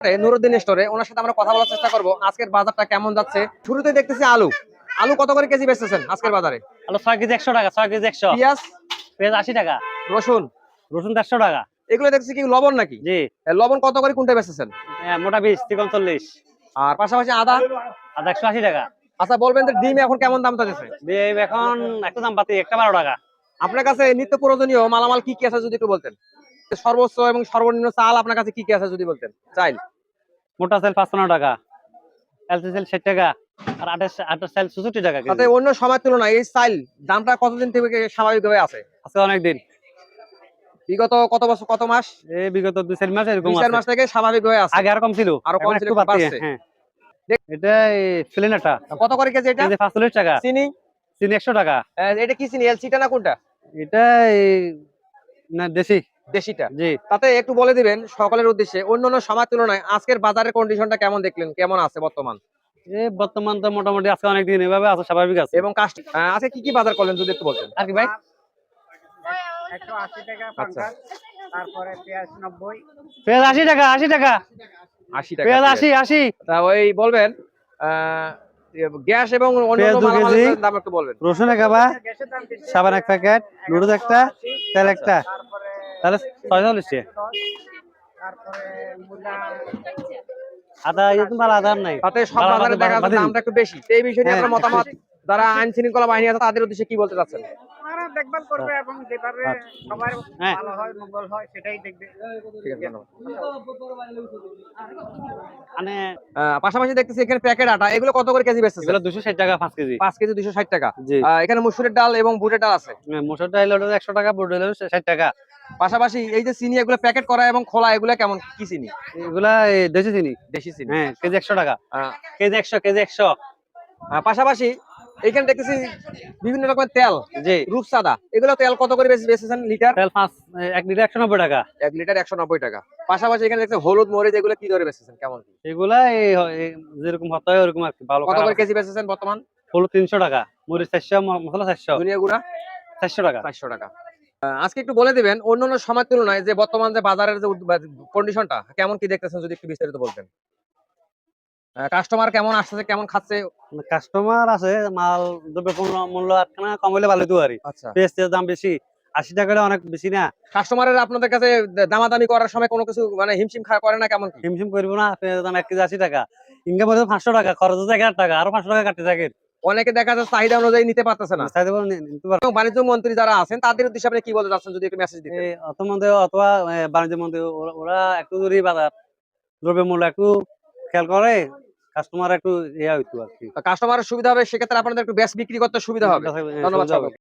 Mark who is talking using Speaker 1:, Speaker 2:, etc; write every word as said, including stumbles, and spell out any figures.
Speaker 1: নুরুদ্দিন স্টোরে ওনার সাথে আমরা কথা বলার চেষ্টা করব আজকের বাজারটা কেমন যাচ্ছে। শুরুতে দেখতেছি আলু আলু কত করে কেজি বেচতেছেন আজকের বাজারে?
Speaker 2: আলু ছয় কেজি একশো টাকা, ছয় কেজি একশো।
Speaker 1: পেঁয়াজ
Speaker 2: পেঁয়াজ আশি টাকা।
Speaker 1: রসুন
Speaker 2: রসুন দেড়শো টাকা।
Speaker 1: এগুলো দেখছি কি লবণ নাকি?
Speaker 2: জি।
Speaker 1: লবণ কত করে কুইন্টাল বেচতেছেন?
Speaker 2: মোটা বিশ তিরিশ চল্লিশ।
Speaker 1: আর পাশাপাশি আদা
Speaker 2: আদা একশো আশি টাকা।
Speaker 1: আচ্ছা বলবেন যে ডিম এখন কেমন দাম চাচ্ছে?
Speaker 2: ডিম এখন একটা দাম পাতি একটা বারো টাকা।
Speaker 1: আপনার কাছে নিত্য প্রয়োজনীয় মালামাল কি কি আছে যদি একটু বলতেন? সর্বোচ্চ এবং সর্বনিম্ন চাল আপনার কাছে কি কি আছে যদি বলতেন? চাইল
Speaker 2: মোটা চাল পাঁচপান্ন টাকা, এলসি চাল ষাট টাকা, আর আঠাশ আঠাশ চাল চৌষট্টি টাকা।
Speaker 1: তাতে অন্য সময়ের তুলনায় এই চাইল দামটা কতদিন থেকে স্বাভাবিকভাবে আছে?
Speaker 2: আজকে অনেক দিন,
Speaker 1: বিগত কত বছর কত মাস?
Speaker 2: এই বিগত দুই চার মাস এরকম
Speaker 1: দুই চার মাস থেকে স্বাভাবিকভাবে আছে।
Speaker 2: আগে আরো কম ছিল,
Speaker 1: আরো কম ছিল,
Speaker 2: একটু বাড়ছে। হ্যাঁ, এটা ফিলেনাটা
Speaker 1: কত করে কেজি এটা?
Speaker 2: পাঁচচল্লিশ টাকা।
Speaker 1: চিনি
Speaker 2: চিনি একশো টাকা।
Speaker 1: এটা কি চিনি, এলসিটা না কোনটা?
Speaker 2: এটা না দেশি,
Speaker 1: দেশিটা।
Speaker 2: জি।
Speaker 1: তাতে একটু বলে দিবেন সকলের উদ্দেশ্যে অন্যান্য সময়ের তুলনায় আজকের বাজারের কন্ডিশনটা কেমন দেখলেন, কেমন আছে বর্তমান?
Speaker 2: এই বর্তমান তো মোটামুটি আজকে অনেক দিন এভাবে আছে, স্বাভাবিক আছে।
Speaker 1: এবং কাস্ট আজকে কি কি বাজার করলেন যদি একটু বলতেন?
Speaker 2: আর কি ভাই?
Speaker 3: একশো আশি টাকা পঞ্চাশ, তারপরে পেঁয়াজ নব্বই।
Speaker 2: পেঁয়াজ আশি টাকা, আশি টাকা,
Speaker 1: আশি টাকা
Speaker 2: পেঁয়াজ আশি আশি।
Speaker 1: তা ওই বলবেন আহ গ্যাস এবং অন্যান্য মালামালের দাম একটু বলবেন।
Speaker 2: রসুন এক কাবা, সাবান এক প্যাকেট, নুডলস একটা, তেল একটা, তাহলে ছয়চল্লিশ টাকা।
Speaker 3: তারপরে মুলা
Speaker 2: আদা একদম ভালো আদার নাই।
Speaker 1: তাতে সব বাজারে দেখা যাচ্ছে দামটা একটু বেশি। এই বিষয়ে নিয়ে আপনার মতামত, যারা আইন শৃঙ্খলা বাহিনী আছে তাদের উদ্দেশ্যে কি বলতে চাচ্ছেন?
Speaker 3: ওনারা দেখভাল করবে এবং যেভাবে সবার ভালো হয় মঙ্গল হয় সেটাই দেখবে।
Speaker 1: ঠিক আছে, ধন্যবাদ।
Speaker 2: মানে
Speaker 1: পাশাপাশি দেখতেছি এখানে প্যাকেট আটা, এগুলো কত করে কেজি বেচতেছেন?
Speaker 2: এগুলো দুশো ষাট টাকা পাঁচ কেজি।
Speaker 1: পাঁচ কেজি দুশো ষাট টাকা।
Speaker 2: জি।
Speaker 1: এখানে মসুরের ডাল এবং বুটের ডাল আছে।
Speaker 2: মসুর ডাল হলো একশো টাকা, বুট ডাল হলো ষাট টাকা।
Speaker 1: পাশাপাশি এই যে চিনি এগুলো প্যাকেট করা এবং খোলা, এগুলো কেমন কি চিনি?
Speaker 2: এগুলা দেশি চিনি।
Speaker 1: দেশি চিনি।
Speaker 2: হ্যাঁ, কেজি একশো টাকা। কেজি একশো, কেজি একশো।
Speaker 1: পাশাপাশি এখানে দেখতেছি বিভিন্ন রকমের তেল,
Speaker 2: জি।
Speaker 1: রূপসাদা, এগুলো তেল কত করে বেচেছেন লিটার?
Speaker 2: তেল পাঁচ এক লিটার একশো নব্বই টাকা।
Speaker 1: এক লিটার একশো নব্বই টাকা। পাশাপাশি এখানে দেখতে হলুদ মরিচ, এগুলো কি দরে বেচেছেন, কেমন কি?
Speaker 2: এগুলা যেরকম হতে হয় ওরকম আর কি। ভালো
Speaker 1: কত করে কেজি বেচেছেন বর্তমান?
Speaker 2: হলুদ তিনশো টাকা, মরিচ চারশো, মশলা চারশো,
Speaker 1: ধনিয়া গুঁড়া
Speaker 2: চারশো টাকা।
Speaker 1: চারশো টাকা। আজকে একটু বলে দিবেন অন্যান্য সময়ের তুলনায় যে বর্তমান যে বাজারের যে কন্ডিশনটা কেমন কি দেখতেছেন যদি একটু বিস্তারিত বলতেন। কাস্টমার কেমন আসছে, কেমন খাচ্ছে?
Speaker 2: কাস্টমার আছে, মাল দ্রব্য মূল্য আটখানা কম হলে ভালো তো আর।
Speaker 1: আচ্ছা,
Speaker 2: পেঁয়াজের দাম বেশি, আশি টাকা হলে অনেক বেশি না।
Speaker 1: কাস্টমারের আপনাদের কাছে দামাদামি করার সময় কোনো কিছু মানে হিমশিম খাওয়া করে না, কেমন কি?
Speaker 2: হিমশিম করবো না। পেঁয়াজের দাম এক কেজি আশি টাকা, ইনকাম হলে পাঁচশো টাকা, খরচ হচ্ছে এক হাজার টাকা, আরো পাঁচশো টাকা কাটতে থাকে।
Speaker 1: অনেকে দেখা যাচ্ছে চাহিদা অনুযায়ী নিতে পারতেছে না। বাণিজ্য মন্ত্রী যারা আছেন তাদের উদ্দেশ্যে আপনি কি বলতে চাচ্ছেন যদি একটু মেসেজ দিতেন?
Speaker 2: অর্থমন্ত্রী অথবা বাণিজ্য মন্ত্রী ওরা একটু যদি বাজার দ্রব্য মূল্য একটু খেয়াল করে, কাস্টমার একটু ইয়া হইতো আর কি।
Speaker 1: কাস্টমারের সুবিধা হবে, সেক্ষেত্রে আপনাদের একটু বেশ বিক্রি করতে সুবিধা হবে। ধন্যবাদ।